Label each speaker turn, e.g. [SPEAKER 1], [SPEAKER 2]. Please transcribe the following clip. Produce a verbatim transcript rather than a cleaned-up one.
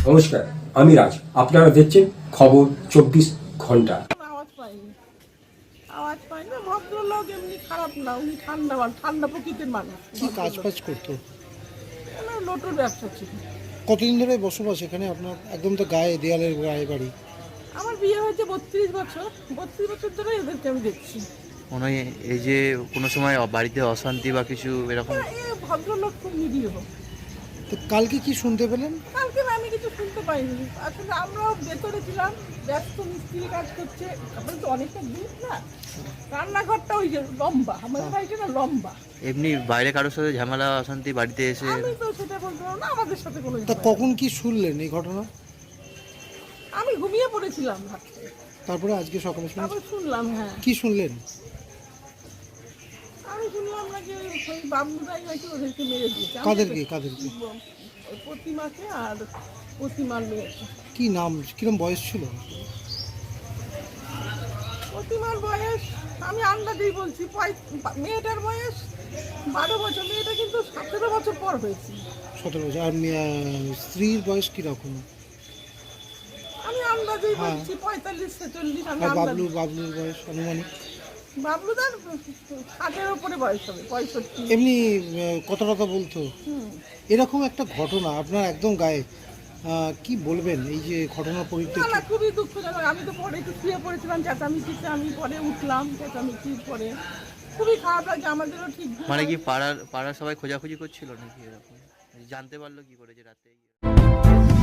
[SPEAKER 1] নমস্কার, আমি রাজ। আপনারা দেখছেন খবর চব্বিশ ঘন্টা।
[SPEAKER 2] আওয়াজ পাইনি আওয়াজ পাই না। ভদ্রলোক এমনি খারাপ না, উনি ঠান্ডা ঠান্ডা প্রকৃতির মানুষ।
[SPEAKER 3] কি কাজ বাজ করতো?
[SPEAKER 2] ওনার লোটোর ব্যবসা ছিল।
[SPEAKER 3] কতদিন ধরে বসবাস এখানে আপনার? একদম তো গায়ে দেয়ালের গায়ে বাড়ি।
[SPEAKER 2] আমার বিয়ে হয়েছে বত্রিশ বছর বত্রিশ বছর ধরে এদেরকে আমি দেখছি।
[SPEAKER 4] মনে হয় এই যে কোনো সময় বাড়িতে অশান্তি বা কিছু এরকম?
[SPEAKER 2] এ ভদ্রলোক খুব নিরীহ।
[SPEAKER 3] তো কালকে কি শুনতে পেলেন?
[SPEAKER 2] কালকে আমি কিছু শুনতে পাইনি। আসলে আমরাও ভেতরে ছিলাম, ব্যস্ত, মিস্ত্রি কাজ করছে। তারপরে তো অনেকটা দূর না, রান্নাঘরটা ওই যে লম্বা, আমাদের বাড়িটা না লম্বা।
[SPEAKER 4] এমনি বাইরে কারোর সাথে ঝামেলা অশান্তি বাড়িতে এসে?
[SPEAKER 2] আমি তো সেটা বলতে পারবো না, আমাদের সাথে কোনো
[SPEAKER 3] তা
[SPEAKER 2] ঝামেলা
[SPEAKER 3] কখন কি শুনলেন এই ঘটনা?
[SPEAKER 2] আমি ঘুমিয়ে পড়েছিলাম রাত্রে,
[SPEAKER 3] তারপরে আজকে সকালে শুনলেন?
[SPEAKER 2] তারপর শুনলাম। হ্যাঁ,
[SPEAKER 3] কি শুনলেন?
[SPEAKER 2] আমি শুনলাম নাকি ওই বাবুদাই নাকি ওদেরকে মেরে দিয়েছে। আমি
[SPEAKER 3] কাদেরকে কাদেরকে?
[SPEAKER 2] ওই প্রতিমাকে আর প্রতিমার মেয়েকে।
[SPEAKER 3] কি নাম, কিরম বয়স ছিল?
[SPEAKER 2] প্রতিমার বয়স আমি আন্দাজেই বলছি, পঁয়- মেয়েটার বয়স বারো বছর, মেয়েটা কিন্তু সতেরো বছর পর হয়েছে।
[SPEAKER 3] সতেরো বছর। আর মেয়ে- স্ত্রীর বয়স কিরকম?
[SPEAKER 2] আমি আন্দাজেই
[SPEAKER 3] হ্যাঁ।
[SPEAKER 2] বলছি পঁয়তাল্লিশ ছেচল্লিশ। আমি
[SPEAKER 3] আর
[SPEAKER 2] আন্দাজ,
[SPEAKER 3] বাবলু বাবলুর বয়স আনুমানিক?
[SPEAKER 2] বাবলুদার ষাটের ওপরে বয়স হবে, পঁয়ষট্টি।
[SPEAKER 3] এমনি আহ, কথা কথা বলতো?
[SPEAKER 2] হুম।
[SPEAKER 3] এরকম একটা ঘটনা আপনার একদম গায়ে, আহ, কি বলবেন এই যে ঘটনার
[SPEAKER 2] না
[SPEAKER 3] পরিপ্রেক্ষিতে?
[SPEAKER 2] না, খুবই দুঃখজনক। আমি তো পরে একটু শুয়ে পড়েছিলাম চেঁচামেচিতে, আমি পরে উঠলাম চেঁচামেচির পরে। খুবই খারাপ লাগে, আমাদেরও ঠিক ঘুম
[SPEAKER 4] মানে কি
[SPEAKER 2] হয়।
[SPEAKER 4] পাড়ার পাড়ার সবাই খোঁজাখুঁজি করছিল নাকি এরকম? জানতে পারলো কি করে যে রাতে?